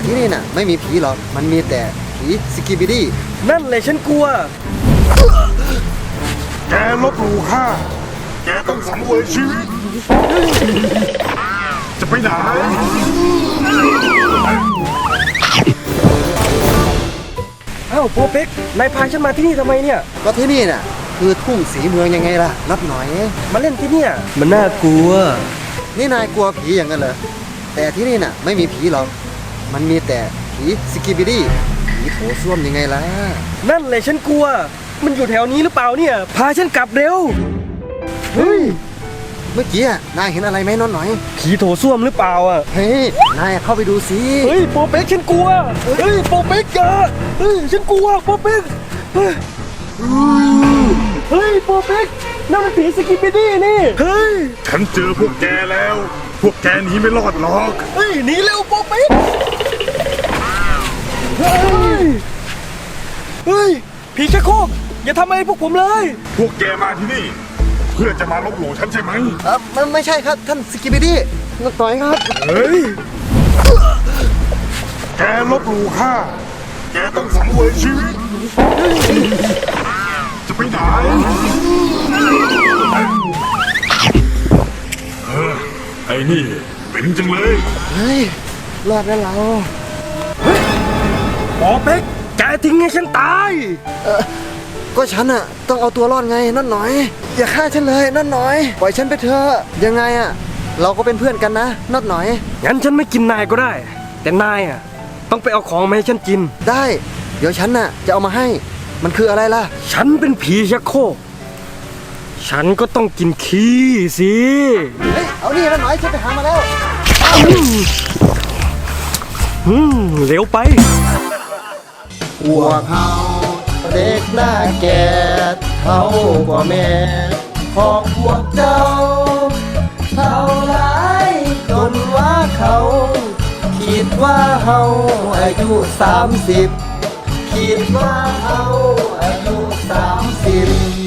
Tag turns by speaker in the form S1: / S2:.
S1: ที่นี่น่ะไม่มีผีหรอกมันมีแต่ผีสกิบิดี้
S2: นั่นเลยฉันกลัว
S3: แกลบหลู่ข้าแกต้องสังเวยชีวิตจะไปไหน
S2: อ้าวโปเป็กนายพาฉันมาที่นี่ทำไมเนี่ย
S1: ก็ที่นี่น่ะคือทุ่งสีเมืองยังไงล่ะนับหน่อย
S2: มาเล่นที่เนี่ยมันน่ากลัว
S1: นี่นายกลัวผีอย่างนั้นเหรอแต่ที่นี่น่ะไม่มีผีหรอกมันมีแต่ผีสกิบิดี้ผีโถส้วมยังไงล่ะ
S2: นั่นเลยฉันกลัวมันอยู่แถวนี้หรือเปล่าเนี่ยพาฉันกลับเร็ว
S1: เฮ้ยเมื่อกี้นายเห็นอะไรไหมน้องหน่อย
S2: ผีโถส้วมหรือเปล่าอ่ะ
S1: เฮ้ยนายเข้าไปดูสิ
S2: เฮ้ยโปเป็กฉันกลัวเฮ้ยโปเป็กอย่าเฮ้ยฉันกลัวโปเป็กเฮ้ยโปเป็กนั่นมันผีสกิปปิดี้นี่เฮ้ย
S3: ฉันเจอพวกแกแล้วพวกแกหนีไม่รอดหรอก
S2: เฮ้ยหนีเร็วโปเป็กเฮ้ยผีชักโครกอย่าทำอะไรพวกผมเลย
S3: พวกแกมาที่นี่เพื่อจะมาลบหลู่ฉันใช่ไหม
S1: มันไม่ใช่ครับท่านสกิบิดี้นักต่อยครับ
S3: เฮ้ยแกลบหลู่ข้าแกต้องสังเวยชีวิตจะไปไหนไอ้นี่เป็นจังเลย
S1: เฮ้ยรอดแล้วเรา
S2: โปเป็กแกทิ้งให้ฉันตาย
S1: ก็ฉันอะต้องเอาตัวรอดไงนั่นหน่อยอย่าฆ่าฉันเลยนั่นหน่อยปล่อยฉันไปเถอะยังไงอะเราก็เป็นเพื่อนกันนะนั่นหน่อย
S2: งั้นฉันไม่กินนายก็ได้แต่นายอะต้องไปเอาของมาให้ฉันกิน
S1: ได้เดี๋ยวฉันน่ะจะเอามาให้มันคืออะไรล่ะ
S2: ฉันเป็นผีชักโครกฉันก็ต้องกินขี้สิ
S1: เฮ้ยเอานี่นั่นหน่อยฉันไปหามาแล้ว
S2: เร็วไป
S1: พวกเขาเด็กหน้าแก่เขากว่าแม่ของพวกเจ้าเท่าไรจนว่าเขาคิดว่าเขาอายุ30คิดว่าเขาอายุ30